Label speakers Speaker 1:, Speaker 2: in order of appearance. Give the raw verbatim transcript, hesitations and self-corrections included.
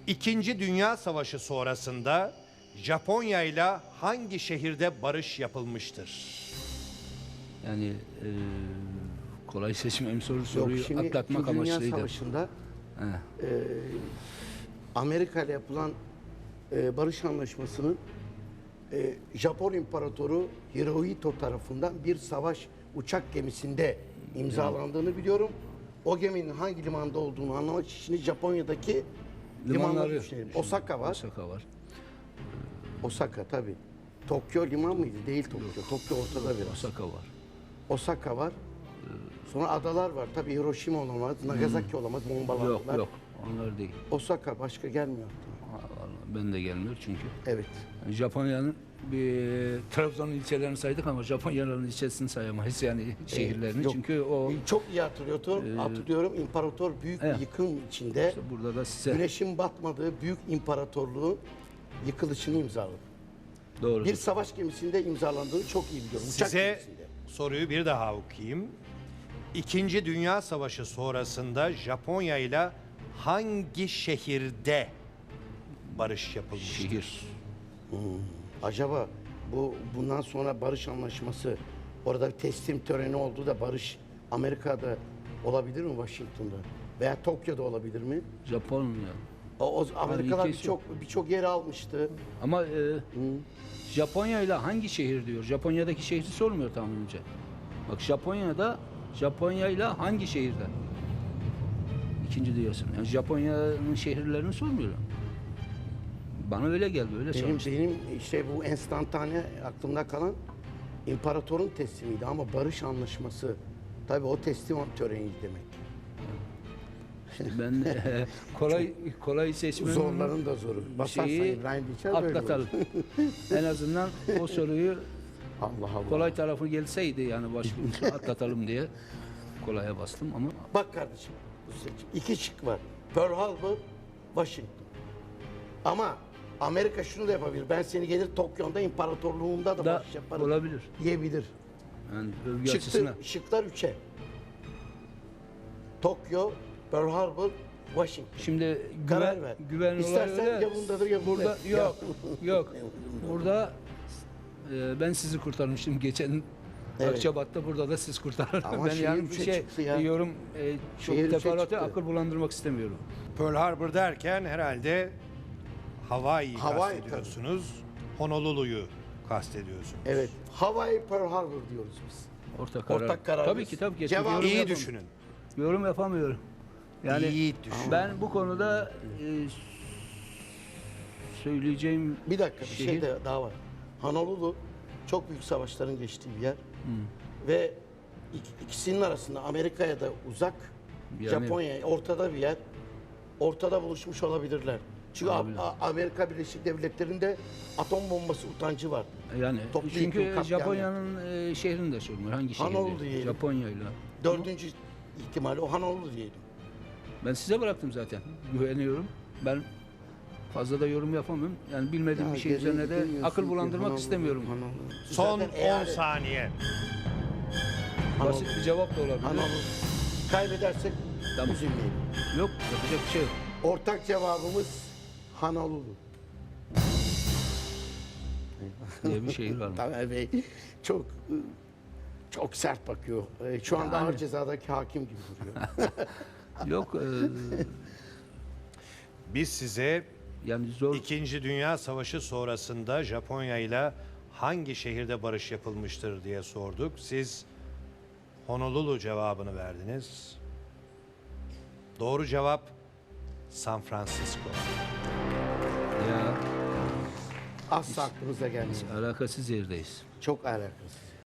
Speaker 1: İkinci Dünya Savaşı sonrasında Japonya ile hangi şehirde barış yapılmıştır?
Speaker 2: Yani e, kolay seçmem soru
Speaker 3: Yok,
Speaker 2: soruyu
Speaker 3: şimdi
Speaker 2: atlatmak
Speaker 3: İkinci Dünya
Speaker 2: amaçlıydı.
Speaker 3: Savaşı'nda
Speaker 2: He.
Speaker 3: e, Amerika ile yapılan e, barış anlaşmasının e, Japon İmparatoru Hirohito tarafından bir savaş uçak gemisinde imzalandığını biliyorum. O geminin hangi limanda olduğunu anlamak için Japonya'daki limanları düşünelim. Osaka var.
Speaker 2: Osaka var.
Speaker 3: Osaka tabii. Tokyo liman mıydı? Değil Tokyo. Tokyo ortada biraz.
Speaker 2: Osaka var.
Speaker 3: Osaka var. Sonra adalar var. Tabii Hiroşima olamaz, Nagasaki olamaz, bombalandılar.
Speaker 2: Yok yok onlar değil.
Speaker 3: Osaka başka gelmiyor aklıma.
Speaker 2: Vallahi ben de gelmiyor çünkü.
Speaker 3: Evet.
Speaker 2: Yani Japonya'nın bir Trabzon'un ilçelerini saydık ama Japonya'nın ilçesini sayamayız yani şehirlerini.
Speaker 3: Yok.
Speaker 2: Çünkü o
Speaker 3: Çok iyi hatırlıyorum. Hatırlıyorum. İmparator büyük
Speaker 2: evet.
Speaker 3: bir yıkım içinde
Speaker 2: işte burada da size
Speaker 3: güneşin batmadığı büyük imparatorluğun yıkılışını imzaladı.
Speaker 2: doğru.
Speaker 3: Bir savaş gemisinde imzalandığını çok iyi biliyorum. Uçak
Speaker 1: Size
Speaker 3: gemisinde.
Speaker 1: soruyu bir daha okuyayım. İkinci Dünya Savaşı sonrasında Japonya ile hangi şehirde barış yapılmıştır?
Speaker 2: Şehir.
Speaker 3: Acaba bu bundan sonra barış anlaşması, orada bir teslim töreni oldu da barış Amerika'da olabilir mi, Washington'da? Veya Tokyo'da olabilir mi?
Speaker 2: Japonya.
Speaker 3: O, o Amerikalılar
Speaker 2: ülkesi
Speaker 3: birçok birçok yer almıştı.
Speaker 2: Ama e, Japonya ile hangi şehir diyor? Japonya'daki şehri sormuyor tahminimce. Bak Japonya'da Japonya ile hangi şehirde? İkinci diyorsun. Yani Japonya'nın şehirlerini sormuyorum. Bana öyle geldi, öyle
Speaker 3: Benim
Speaker 2: sormuştum.
Speaker 3: benim işte bu enstantane aklımda kalan imparatorun teslimiydi ama barış anlaşması tabii o teslim töreni demek.
Speaker 2: Ben e, kolay kolay seçmenin
Speaker 3: Zorların da zoru. Basarsan
Speaker 2: şeyi
Speaker 3: İbrahim Dinçer böyle
Speaker 2: atlatalım.
Speaker 3: olur.
Speaker 2: En azından o soruyu
Speaker 3: Allah Allah.
Speaker 2: kolay tarafı gelseydi yani başka atlatalım diye kolaya bastım ama
Speaker 3: Bak kardeşim, bu seçim. İki şık var. Pearl Harbor, Washington. Ama Amerika şunu da yapabilir. Ben seni gelir Tokyo'da imparatorluğumda da
Speaker 2: da
Speaker 3: barış yaparım
Speaker 2: olabilir.
Speaker 3: diyebilir.
Speaker 2: Yani övgü
Speaker 3: Çıktı,
Speaker 2: açısından.
Speaker 3: şıklar üçe. Tokyo, Pearl Harbor, Washington.
Speaker 2: Şimdi
Speaker 3: Karar
Speaker 2: güven,
Speaker 3: ver.
Speaker 2: güven olayı
Speaker 3: İstersen
Speaker 2: öyle.
Speaker 3: ya bundadır ya bunda.
Speaker 2: Burada
Speaker 3: Ya.
Speaker 2: yok. Yok. Burada e, ben sizi kurtarmıştım geçen
Speaker 3: Evet.
Speaker 2: Akçabat'ta, burada da siz kurtardınız.
Speaker 3: Ama
Speaker 2: Ben
Speaker 3: şehir
Speaker 2: yani bir
Speaker 3: üçe
Speaker 2: şey
Speaker 3: çıktı ya.
Speaker 2: yorum e, çok
Speaker 3: Şehir üçe
Speaker 2: teferruatı
Speaker 3: çıktı.
Speaker 2: akıl bulandırmak istemiyorum.
Speaker 1: Pearl Harbor derken herhalde Hawaii'yi
Speaker 3: Hawaii
Speaker 1: kastediyorsunuz. Honolulu'yu kastediyorsunuz.
Speaker 3: Evet. Hawaii, Pearl Harbor diyoruz biz.
Speaker 2: Ortak karar.
Speaker 3: Ortak kararımız.
Speaker 2: Tabii ki tabii ki.
Speaker 3: Cevabı
Speaker 2: Yorum
Speaker 1: İyi
Speaker 2: yapamıyorum.
Speaker 1: düşünün.
Speaker 2: Yorum yapamıyorum. Yani
Speaker 1: İyi düşün.
Speaker 2: ben bu konuda e, söyleyeceğim
Speaker 3: Bir dakika bir şey
Speaker 2: şehir-
Speaker 3: de daha var. Honolulu çok büyük savaşların geçtiği bir yer. Ve ik- ikisinin arasında Amerika'ya da uzak,
Speaker 2: Yani-
Speaker 3: Japonya'ya ortada bir yer. Ortada buluşmuş olabilirler. Çünkü A-
Speaker 2: Olabilir.
Speaker 3: A- Amerika Birleşik Devletleri'nde atom bombası utancı var.
Speaker 2: Yani
Speaker 3: Toplu
Speaker 2: çünkü
Speaker 3: yıkım, katliam
Speaker 2: Japonya'nın e, şehrini de sormuyor. Hangi şehir?
Speaker 3: Honolulu
Speaker 2: diye.
Speaker 3: diyelim.
Speaker 2: Japonya ile.
Speaker 3: Dördüncü ihtimali o Honolulu diyelim.
Speaker 2: Ben size bıraktım zaten. Güveniyorum. Ben fazla da yorum yapamıyorum. Yani bilmediğim
Speaker 3: Ya
Speaker 2: bir şey
Speaker 3: gene
Speaker 2: üzerine de
Speaker 3: demiyorsun
Speaker 2: akıl
Speaker 3: ki
Speaker 2: bulandırmak
Speaker 3: Honolulu,
Speaker 2: istemiyorum.
Speaker 3: Honolulu.
Speaker 1: Son
Speaker 3: Zaten
Speaker 1: on
Speaker 3: eyalet-
Speaker 1: saniye.
Speaker 2: Basit bir cevap da olabilir.
Speaker 3: Honolulu. Kaybedersek
Speaker 2: Tamam.
Speaker 3: üzülmeyelim.
Speaker 2: Yok, yapacak bir şey yok.
Speaker 3: Ortak cevabımız Honolulu.
Speaker 2: Diye bir şehir var mı?
Speaker 3: Tamer Bey çok çok sert bakıyor. Ee, Şu anda
Speaker 2: Yani.
Speaker 3: ağır cezadaki hakim gibi duruyor.
Speaker 2: Yok, e,
Speaker 1: Biz size
Speaker 2: yani zor.
Speaker 1: İkinci Dünya Savaşı sonrasında Japonya ile hangi şehirde barış yapılmıştır diye sorduk. Siz Honolulu cevabını verdiniz. Doğru cevap San Francisco.
Speaker 2: Ya
Speaker 3: Asla aklımıza gelmiyor.
Speaker 2: alakasız yerdeyiz.
Speaker 3: Çok alakasız.